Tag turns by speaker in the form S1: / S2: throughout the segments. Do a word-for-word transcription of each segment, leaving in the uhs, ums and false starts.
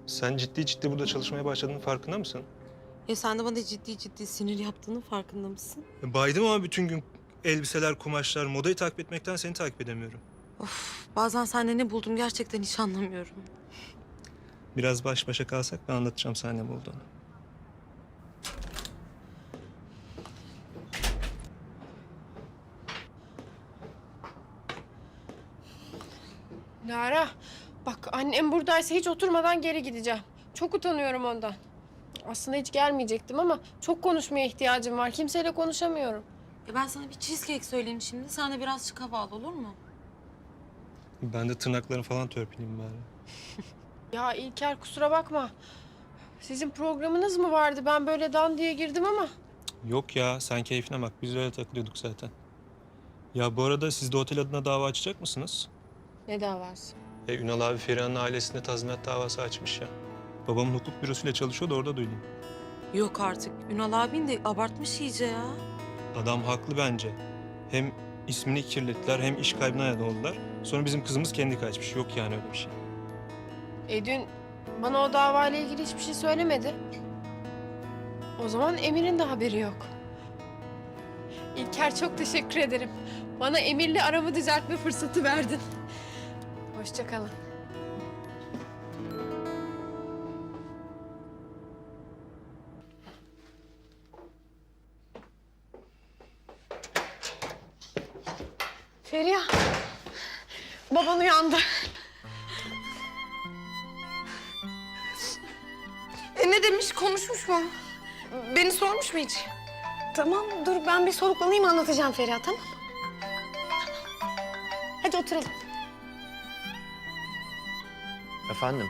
S1: Sen ciddi ciddi burada çalışmaya başladığının farkında mısın?
S2: Ya sen de bana ciddi ciddi sinir yaptığının farkında mısın?
S1: E, Baydım ama bütün gün elbiseler, kumaşlar, modayı takip etmekten seni takip edemiyorum.
S2: Of, bazen sende ne buldum gerçekten hiç anlamıyorum.
S1: Biraz baş başa kalsak ben anlatacağım sana ne bulduğunu.
S3: Lara, bak annem buradaysa hiç oturmadan geri gideceğim. Çok utanıyorum ondan. Aslında hiç gelmeyecektim ama çok konuşmaya ihtiyacım var. Kimseyle konuşamıyorum.
S2: Ya ben sana bir cheesecake söyleyeyim şimdi. Sen de birazcık hava al, olur mu?
S1: Ben de tırnaklarını falan törpüleyeyim bari.
S3: Ya İlker kusura bakma. Sizin programınız mı vardı? Ben böyle dan diye girdim ama.
S1: Yok ya, sen keyfine bak. Biz öyle takılıyorduk zaten. Ya bu arada siz de otel adına dava açacak mısınız?
S3: Ne davası?
S1: E, Ünal abi Feriha'nın ailesinde tazminat davası açmış ya. Babamın hukuk bürosuyla çalışıyor da orada duydum.
S2: Yok artık. Ünal abin de abartmış iyice ya.
S1: Adam haklı bence. Hem ismini kirlettiler hem iş kaybına neden oldular. Sonra bizim kızımız kendi kaçmış. Yok yani öyle bir şey.
S3: E dün bana o davayla ilgili hiçbir şey söylemedi. O zaman Emir'in de haberi yok. İlker çok teşekkür ederim. Bana Emir'le aramı düzeltme fırsatı verdin. Hoşça kalın. Feriha, baban uyandı.
S4: E ne demiş, konuşmuş mu? Beni sormuş mu hiç?
S5: Tamam dur ben bir soluklanayım anlatacağım Feriha tamam mı? Hadi oturalım.
S6: Efendim?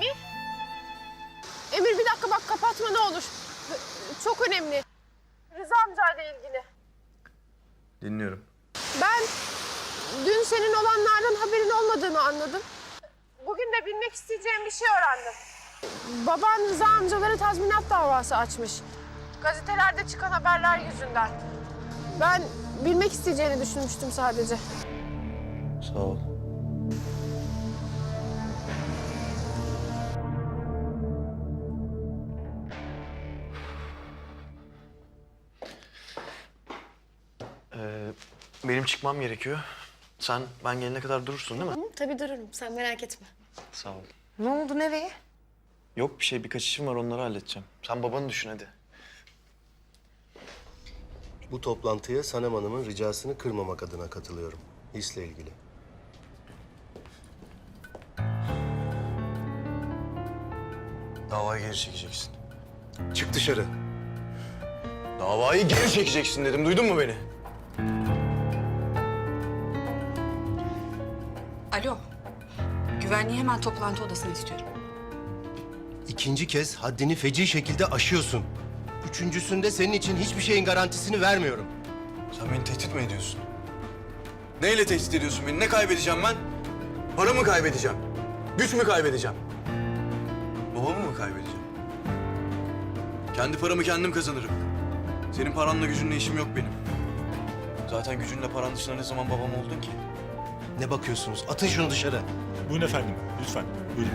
S3: Emir bir dakika bak kapatma ne olur. Çok önemli. Rıza amcayla ilgili.
S6: Dinliyorum.
S3: Ben dün senin olanlardan haberin olmadığını anladım. Bugün de bilmek isteyeceğim bir şey öğrendim. Baban Rıza amcalara tazminat davası açmış. Gazetelerde çıkan haberler yüzünden. Ben bilmek isteyeceğini düşünmüştüm sadece.
S6: Sağ ol. Ee, benim çıkmam gerekiyor. Sen ben gelene kadar durursun değil mi?
S5: Hı, tabii dururum sen merak etme.
S6: Sağ ol.
S4: Ne oldu, nereye?
S6: Yok bir şey, birkaç işim var, onları halledeceğim. Sen babanı düşün hadi.
S7: Bu toplantıya Sanem Hanım'ın ricasını kırmamak adına katılıyorum. Hisle ilgili.
S6: Davayı geri çekeceksin.
S7: Çık dışarı.
S6: Davayı geri çekeceksin dedim, duydun mu beni?
S4: Alo. Güvenliği hemen toplantı odasına istiyorum.
S7: İkinci kez haddini feci şekilde aşıyorsun. Üçüncüsünde senin için hiçbir şeyin garantisini vermiyorum.
S6: Sen beni tehdit mi ediyorsun? Neyle tehdit ediyorsun beni? Ne kaybedeceğim ben? Para mı kaybedeceğim? Güç mü kaybedeceğim? Babamı mı kaybedeceğim? Kendi paramı kendim kazanırım. Senin paranla gücünle işim yok benim. Zaten gücünle paran dışında ne zaman babam oldun ki?
S7: Ne bakıyorsunuz? Atın şunu dışarı.
S8: Buyurun efendim, lütfen. Buyurun.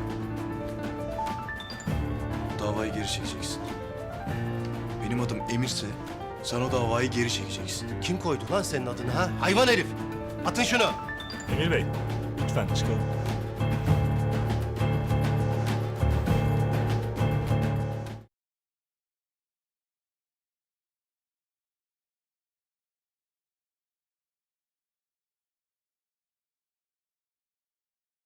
S6: Davayı geri çekeceksin. Benim adım Emir'se sen o davayı geri çekeceksin.
S7: Kim koydu lan senin adını ha? Hayvan herif! Atın şunu!
S8: Emir Bey, lütfen çıkalım.